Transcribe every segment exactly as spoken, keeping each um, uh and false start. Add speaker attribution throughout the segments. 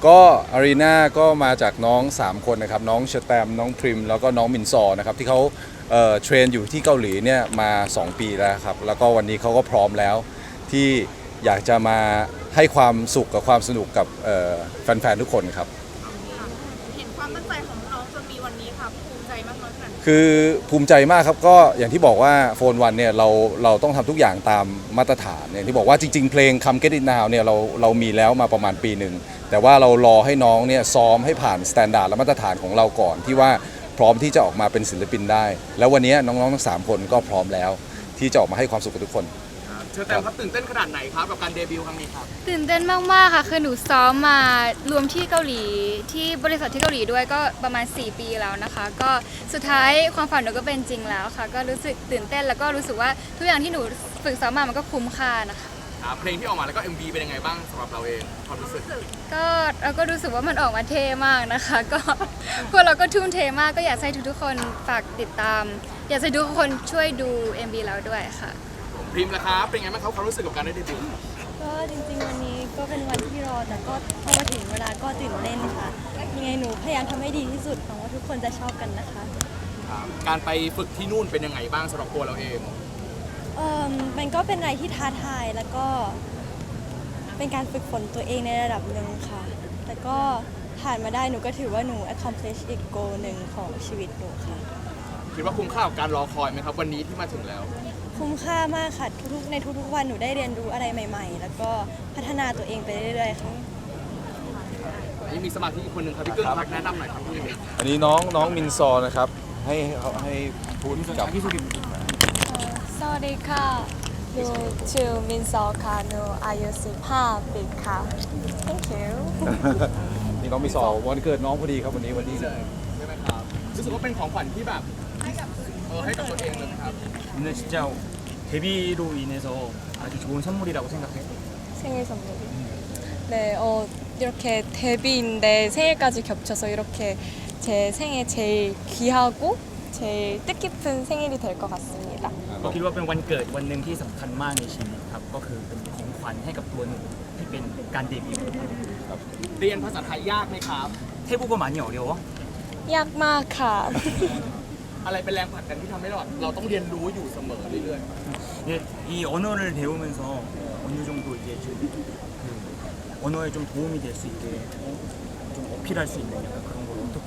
Speaker 1: ก็อารีนาก็มาจากน้องสามคนนะครับน้องเชอแตมน้องพริมแล้วก็น้องมินซอนะครับที่เขาเอ่อเทรนอยู่ที่เกาหลีเนี่ยมาสองปีแล้วครับแล้วก็วันนี้เขาก็พร้อมแล้วที่อยากจะมาให้ความสุขกับความสนุกกับเอ่อแฟนๆทุกคนครับ
Speaker 2: เห็นความตั้งใจของน้องจนมีวันนี้ค่ะภูมิใจมากน้อยขนาดไหน
Speaker 1: คือภูมิใจมากครับก็อย่างที่บอกว่าโฟนวันเนี่ยเราเราต้องทำทุกอย่างตามมาตรฐานอย่างที่บอกว่าจริงๆเพลง Come Get It Now เนี่ยเราเรามีแล้วมาประมาณปีหนึ่งแต่ว่าเรารอให้น้องเนี่ยซ้อมให้ผ่านสแตนดาร์ดและมาตรฐานของเราก่อนที่ว่าพร้อมที่จะออกมาเป็นศิลปินได้ แล้ววันนี้น้องๆทั้งสามคนก็พร้อมแล้วที่จะออกมาให้ความสุขกับทุกคน
Speaker 3: เชิญแตมครับตื่นเต้นขนาดไหนครับกับการเดบิวต์ครั้งนี้ครับ
Speaker 2: ตื่นเต้นมากๆค่ะคือหนูซ้อมมารวมที่เกาหลีที่บริษัทที่เกาหลีด้วยก็ประมาณสี่ปีแล้วนะคะก็สุดท้ายความฝันหนูก็เป็นจริงแล้วค่ะก็รู้สึกตื่นเต้นแล้วก็รู้สึกว่าทุกอย่างที่หนูฝึกซ้อมมามันก็คุ้มค่านะคะ
Speaker 3: เพลงที่ออกมาแล้วก็ เอ็ม วี เป็นยังไงบ้างสำหรับเราเองความรู้สึก
Speaker 2: ก็เราก็รู้สึกว่ามันออกมาเท่มากนะคะก็พวกเราก็ทุ่มเทมากก็อยากให้ทุกๆคนฝากติดตามอยากให้ทุกคนช่วยดู เอ็ม วี เราด้วยค่ะ
Speaker 3: พริมล่ะครับเป็นไงบ้างครับความรู้สึกกับการได้เดบิวต์
Speaker 4: ก็จริงๆวันนี้ก็เป็นวันที่รอแต่ก็พอมาถึงเวลาก็ตื่นเต้นค่ะยังไงหนูพยายามทำให้ดีที่สุดหวังว่าทุกคนจะชอบกันนะคะ
Speaker 3: การไปฝึกที่นู่นเป็นยังไงบ้างสำหรับตัวเราเอง
Speaker 4: เอ่อมันก็เป็นอะไรที่ท้าทายแล้วก็เป็นการฝึกฝนตัวเองในระดับหนึ่งค่ะแต่ก็ผ่านมาได้หนูก็ถือว่าหนู accomplish อีก goal หนึ่งของชีวิตหนูค่ะ
Speaker 3: คิดว่าคุ้มค่ากับการรอคอยไหมครับวันนี้ที่มาถึงแล้ว
Speaker 4: คุ้มค่ามากค่ะทุกๆในทุกๆวันหนูได้เรียนรู้อะไรใหม่ๆแล้วก็พัฒนาตัวเองไปเรื่อยๆค่ะ
Speaker 3: นี่มีสมาชิกอีกคนหนึ่งครับพี่กึ้งครับแนะนำหน่อยครับพี่
Speaker 1: อันนี้น้องน้องมินซอนะครับให้ให้พูดกับพี่สุกิม
Speaker 5: สวัสดีค่ะหนูชื่อมินซอค่ะหนูอายุสิบห้าปีค่ะ thank you
Speaker 1: นี่น้องมินซอวันเกิดน้องพอดีครับวันนี้วันที่
Speaker 3: ใช่ไหมครับรู้สึกว่าเป็นของขวัญที่แบบเออให้กับตัวเองเลยครับ
Speaker 6: 오늘 진짜 데뷔로 인해서 아주 좋은 선물이라고 생각해요.
Speaker 5: 생일 선물이. 네, 어 이렇게 데뷔인데 생일까지 겹쳐서 이렇게 제 생애 제일 귀하고 제일 뜻깊은 생일이 될 것 같습니다.
Speaker 6: ก็คิดว่าเป็นวันเกิดวันหนึ่งที่สำคัญมากในชีวิตครับก็คือเป็นของขวัญให้กับตัวหนูที่เป็นการเดบิวต์ครับ
Speaker 3: เรียนภาษาไทยยากไหมครับ
Speaker 6: 태국어 많이 어려워?
Speaker 5: 약마카
Speaker 3: อะไรเป็นแรงผลักดันที่ทำให้เราเราต้องเรียนรู้อยู่เสมอเรื่อย
Speaker 6: ๆ이 언어를 배우면서 어느 정도 이제 좀 그 언어에 좀 도움이 될 수 있게 좀 어필할 수 있는 약간 그런 걸 어떻게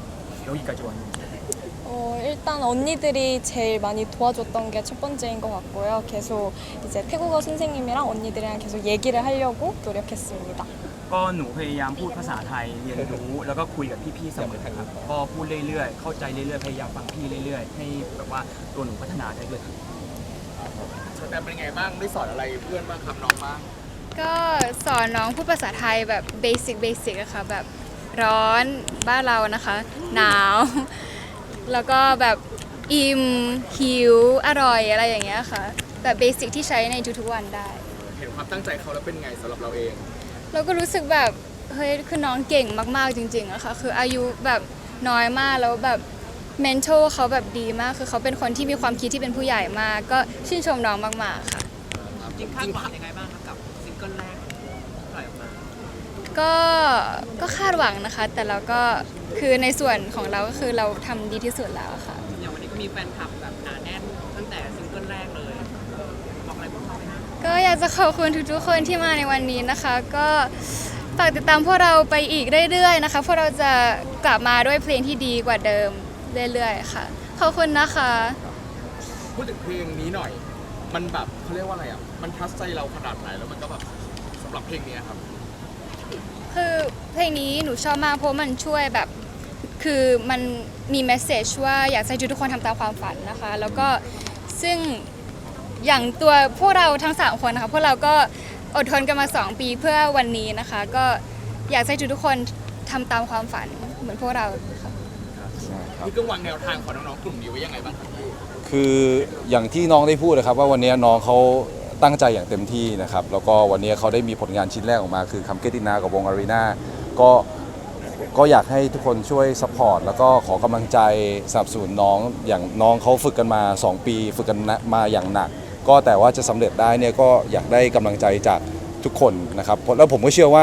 Speaker 6: 여기까지 왔는지.
Speaker 5: 어, 일단 언니들이 제일 많이 도와줬던 게 첫 번째인 것 같고요. 계속 이제 태국어 선생님이랑 언니들이랑 계속 얘기를 하려고 노력했습니다.
Speaker 6: ก็หนูพยายามพูดภาษาไทยเรียนรู้แล้วก็คุยกับพี่ๆเสมอครับก็พูดเรื่อยๆเข้าใจเรื่อยๆพยายามฟังพี่เรื่อยๆให้แบบว่าตัวหนูพัฒนาได้ด้วยครับ
Speaker 3: แต่เป็นไงบ้างได้สอนอะไรเพื่อนบ้างครับน้องบ้าง
Speaker 2: ก็สอนน้องพูดภาษาไทยแบบเบสิกเบสิกอะค่ะแบบร้อนบ้านเรานะคะหนาวแล้วก็แบบอิ่มหิวอร่อยอะไรอย่างเงี้ยค่ะแบบเบสิกที่ใช้ในทุกๆวันได้
Speaker 3: เห็นความตั้งใจเขาแล้วเป็นไงสำหรับเราเอง
Speaker 2: เราก็รู้สึกแบบเฮ้ยคือน้องเก่งมากๆจริงๆอะค่ะคืออายุแบบน้อยมากแล้วแบบเมนทอลเขาแบบดีมากคือเขาเป็นคนที่มีความคิดที่เป็นผู้ใหญ่มากก็ชื่นชมน้องมากๆค่ะ
Speaker 3: จริงคาดหวังยังไงบ้างครับกับซิงเกิลแรกปล่อยออกมา
Speaker 2: ก็ก็คาดหวังนะคะแต่เราก็คือในส่วนของเราก็คือเราทำดีที่สุดแล้วค่ะ
Speaker 3: อย่างวันนี้ก็มีแฟนคลับแบบหนาแน่นตั้งแต่ซิงเกิลแรกเลยบอกอะไรพวกเขาไหม
Speaker 2: ก็อยากจะขอบคุณทุกๆคนที่มาในวันนี้นะคะก็ฝากติดตามพวกเราไปอีกเรื่อยๆนะคะพวกเราจะกลับมาด้วยเพลงที่ดีกว่าเดิมเรื่อยๆค่ะขอบคุณนะคะ
Speaker 3: พูดถึงเพลงนี้หน่อยมันแบบเขาเรียกว่าอะไรอ่ะมันทัชใจเราขนาดไหนแล้วมันก็แบบสำหรับเพลงนี้ครับ
Speaker 2: คือเพลงนี้หนูชอบมากเพราะมันช่วยแบบคือมันมีเมสเซจว่าอยากให้ทุกคนทำตามความฝันนะคะแล้วก็ซึ่งอย่างตัวพวกเราทั้งสามคนนะคะพวกเราก็อดทนกันมาสองปีเพื่อวันนี้นะคะก็อยากให้ทุกคนทำตามความฝันเหมือนพวกเราค่ะ
Speaker 3: พี่กึ้งวางแนวทางของน้องๆกลุ่มนี้ไว้ยังไงบ้างครับ
Speaker 1: คืออย่างที่น้องได้พูดนะครับว่าวันนี้น้องเขาตั้งใจอย่างเต็มที่นะครับแล้วก็วันนี้เขาได้มีผลงานชิ้นแรกออกมาคือ Come Get It Now กับวง อารีนา ก็ก็อยากให้ทุกคนช่วยซัพพอร์ตแล้วก็ขอกำลังใจสนับสนุนน้องอย่างน้องเขาฝึกกันมาสองปีฝึกกันมาอย่างหนักก็แต่ว่าจะสำเร็จได้เนี่ยก็อยากได้กำลังใจจากทุกคนนะครับแล้วผมก็เชื่อว่า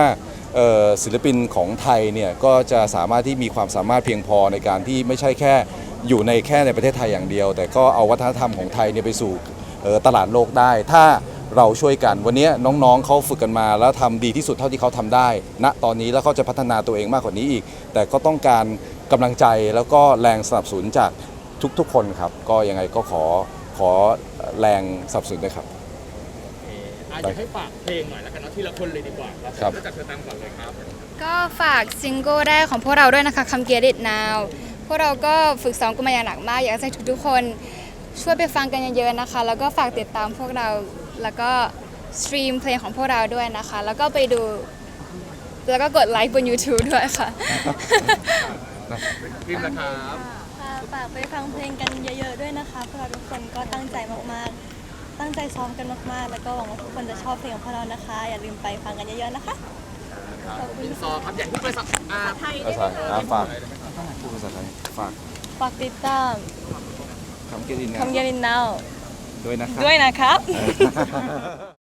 Speaker 1: เอ่อศิลปินของไทยเนี่ยก็จะสามารถที่มีความสามารถเพียงพอในการที่ไม่ใช่แค่อยู่ในแค่ในประเทศไทยอย่างเดียว แต่ก็เอาวัฒนธรรมของไทยเนี่ยไปสู่เอ่อตลาดโลกได้ ถ้าเราช่วยกันวันนี้น้องๆเขาฝึกกันมาแล้วทำดีที่สุดเท่าที่เขาทำได้ณตอนนี้แล้วเขาจะพัฒนาตัวเองมากกว่านี้อีก แต่ก็ต้องการกำลังใจแล้วก็แรงสนับสนุนจากทุกๆคนครับก็ยังไงก็ขอขอแรงสนับสนุนด้วยครับ
Speaker 3: อาจจะให้ฝากเพลงหน่อยแล้วกันเนาะทีละคนเลยดีกว่าครับ
Speaker 1: ครับ
Speaker 3: เริ่มจากเธอตามก่อนเลยครับ
Speaker 2: ก็ฝากซิงเกิลแรกของพวกเราด้วยนะคะ Come Get It Now พวกเราก็ฝึกซ้อมกันมาอย่างหนักมาก อยากให้ทุกๆคนช่วยไปฟังกันเยอะๆนะคะ แล้วก็ฝากติดตามพวกเราแล้วก็สตรีมเพลงของพวกเราด้วยนะคะ แล้วก็ไปดูแล้วก็กดไลค์บน YouTube ด้วยค่ะ
Speaker 3: พิมพ์นะครับ
Speaker 4: ค่ะฝากไปฟังเพลงกันเยอะๆด้วยนะคะพวกเราทุกคนก็ตั้งใจมากๆ ตั้งใจซ้อมกันมากๆ แล้วก็หวังว่าทุกคนจะชอบเพลงของพวกเรานะคะ อย่าลืมไปฟังกันเยอะๆนะคะ
Speaker 3: อินซอครับ อย่างที่ไปสักอ่าไทย
Speaker 1: ภาษาอ่าฝากพูดภาษาไทยฝาก
Speaker 4: ฝากติดตาม
Speaker 1: คำเกลินนะ
Speaker 4: Come Get It Now
Speaker 1: ด้วยนะครับ
Speaker 4: ด้วยนะครับ